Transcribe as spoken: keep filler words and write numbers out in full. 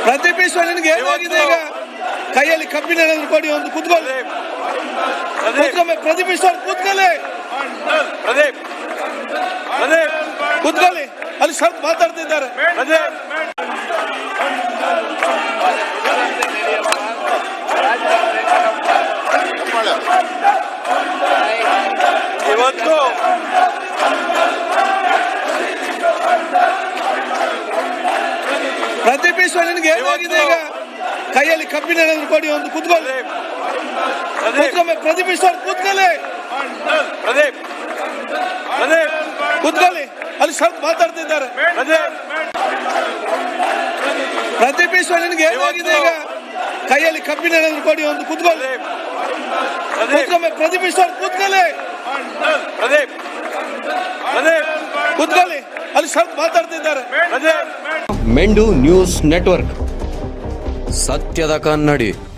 ಪ್ರದೀಪ್ ಈಶ್ವರ್ ನಿನಗೆ ಏನಾಗಿದೆ ಈಗ? ಕೈಯಲ್ಲಿ ಕಬ್ಬಿಣ ಏನಾದ್ರು ಕೊಡಿ, ಒಂದು ಕೂತ್ಕೊಳ್ಳಿ. ಪ್ರದೀಪ್ ಈಶ್ವರ್ ಕೂತ್ಕೊಳ್ಳಿ, ಕೂತ್ಕೊಳ್ಳಿ. ಅಲ್ಲಿ ಸ್ವಲ್ಪ ಮಾತಾಡ್ತಿದ್ದಾರೆ. ಇವತ್ತು ಪ್ರದೀಪ್ ಈಶ್ವರ್ ನಿನಗೆ ಏನಾಗಿದೆ ಈಗ? ಕೈಯಲ್ಲಿ ಕಬ್ಬಿಣ ಏನಾದ್ರು ಕೊಡಿ, ಒಂದು ಕೂತ್ಕೊಳ್ಳಿ. ಪ್ರದೀಪ್ ಈಶ್ವರ್ ಕೂತ್ಕೊಳ್ಳಿ, ಕೂತ್ಕೊಳ್ಳಿ. ಅಲ್ಲಿ ಸ್ವಲ್ಪ ಮಾತಾಡ್ತಿದ್ದಾರೆ. ಪ್ರದೀಪ್ ಈಶ್ವರ್ ನಿನಗೆ ಏನಾಗಿದೆ ಈಗ? ಕೈಯಲ್ಲಿ ಕಬ್ಬಿಣ ಏನಾದ್ರು ಕೊಡಿ, ಒಂದು ಕೂತ್ಕೊಳ್ಳಿ. ಪ್ರದೀಪ್ ಈಶ್ವರ್ ಕೂತ್ಕೊಳ್ಳಿ, ಕೂತ್ಕೊಳ್ಳಿ. ಅಲ್ಲಿ ಸ್ವಲ್ಪ ಮಾತಾಡ್ತಿದ್ದಾರೆ. ಮೆಂಡು ನ್ಯೂಸ್ ನೆಟ್ವರ್ಕ್, ಸತ್ಯದ ಕನ್ನಡಿ.